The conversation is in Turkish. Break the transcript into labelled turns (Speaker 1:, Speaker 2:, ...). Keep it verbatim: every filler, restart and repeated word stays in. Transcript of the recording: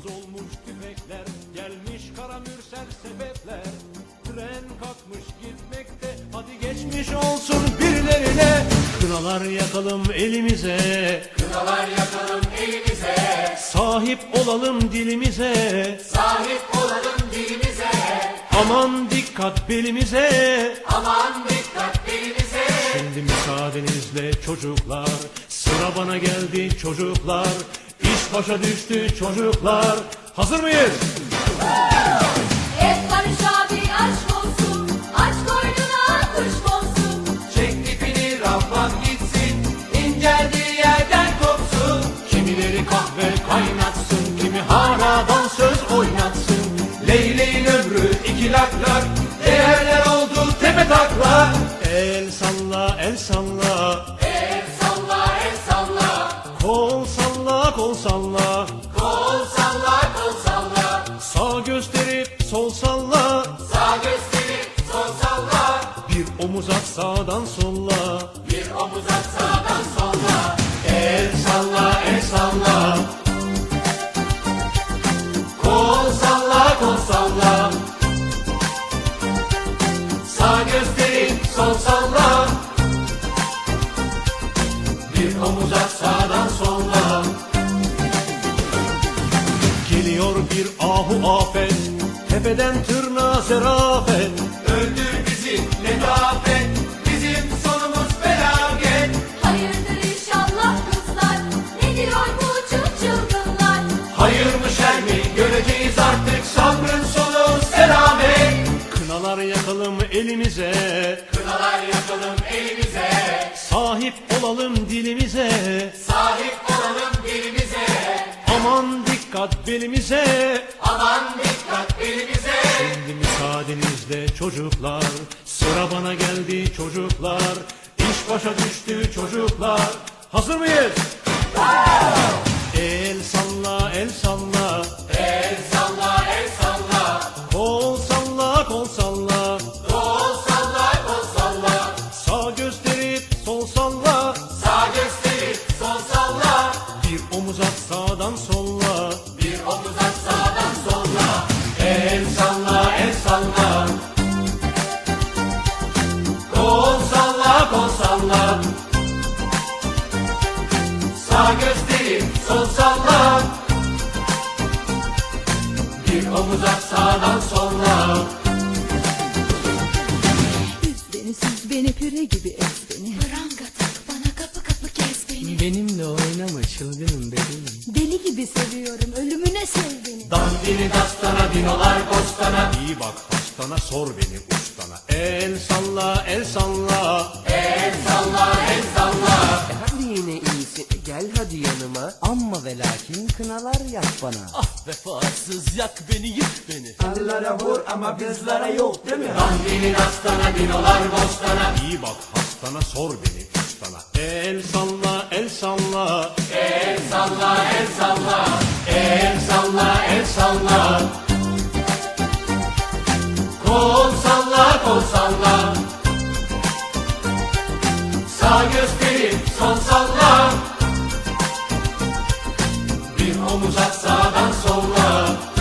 Speaker 1: olmuş tüfekler, gelmiş kara mürsel sebepler. Tren kalkmış gitmekte, hadi geçmiş olsun birilerine. Kınalar yakalım elimize,
Speaker 2: Kınalar yakalım elimize,
Speaker 1: sahip olalım dilimize.
Speaker 2: sahip olalım dilimize.
Speaker 1: Aman dikkat belimize,
Speaker 2: Aman dikkat belimize.
Speaker 1: şimdi müsaadenizle çocuklar, sıra bana geldi çocuklar. İş başa düştü çocuklar, hazır mıyız?
Speaker 3: Et Barış abi aşk olsun, aç koynuna kuş konsun.
Speaker 2: Çek ipini Rabbam gitsin, inceldiği yerden kopsun.
Speaker 1: Kimileri kahve kaynatsın, kimi hala dansöz oynatsın.
Speaker 2: Leyleğin ömrü iki lak lak, değerler oldu tepe taklak.
Speaker 1: El salla, el salla,
Speaker 2: El salla, el salla,
Speaker 1: kol salla, kol salla.
Speaker 2: kol salla, kol salla.
Speaker 1: Sağ gösterip sol salla,
Speaker 2: Sağ gösterip sol salla,
Speaker 1: bir omuz at sağdan solla.
Speaker 2: bir omuz at sağdan solla.
Speaker 1: El salla, el salla,
Speaker 2: Kol salla, kol salla. Sağ gösterip sol salla, bir omuz at sağdan solla.
Speaker 1: geliyor bir ahu afet, tepeden tırnağa zerafet.
Speaker 2: Öldür bizi letafet, bizim sonumuz felaket.
Speaker 3: Hayırdır inşallah kızlar, ne diyor bu çıl çılgınlar?
Speaker 2: Hayır mı şer mi göreceğiz artık, sabrın sonu selamet.
Speaker 1: Kınalar yakalım elimize,
Speaker 2: Kınalar yakalım elimize,
Speaker 1: sahip olalım dilimize.
Speaker 2: sahip olalım dilimize.
Speaker 1: Aman dikkat belimize,
Speaker 2: Aman dikkat elimize.
Speaker 1: şimdi müsaadenizle çocuklar, sıra bana geldi çocuklar. İş başa düştü çocuklar, hazır mıyız? El salla, el salla,
Speaker 2: El salla, el salla,
Speaker 1: kol salla, kol salla.
Speaker 2: kol salla, kol salla.
Speaker 1: Sağ gösterip sol salla,
Speaker 2: Sağ gösterip sol salla,
Speaker 1: bir omuz at sağdan solla.
Speaker 2: bir omuz at sağdan solla. El salla, el salla, kol salla, kol salla. Sağ gösterip sol salla, bir omuz at sağdan solla.
Speaker 4: Üz beni süz beni püre gibi ez beni.
Speaker 3: Pranga tak bana kapı kapı kes beni.
Speaker 5: Benimle oynama çılgınım bebeğim.
Speaker 4: Deli gibi seviyorum ölümüne sev beni.
Speaker 2: Dandini dastana, dinolar bostana.
Speaker 1: İyi bak hastana, sor beni ustana. El salla, el salla,
Speaker 2: El salla, el salla.
Speaker 5: Hadi yine iyisin gel hadi yanıma. Amma ve lakin kınalar yak bana.
Speaker 6: Ah vefasız yak beni yık beni.
Speaker 5: Arılara vur ama bizlere yok değil mi?
Speaker 2: Dandini dastana, dinolar bostana.
Speaker 1: iyi bak hastana, sor beni ustana. El salla, el salla,
Speaker 2: El salla, el salla, el salla, el salla. Kol salla, kol salla. Sağ gösterip sol salla, bir omuz at sağdan solla.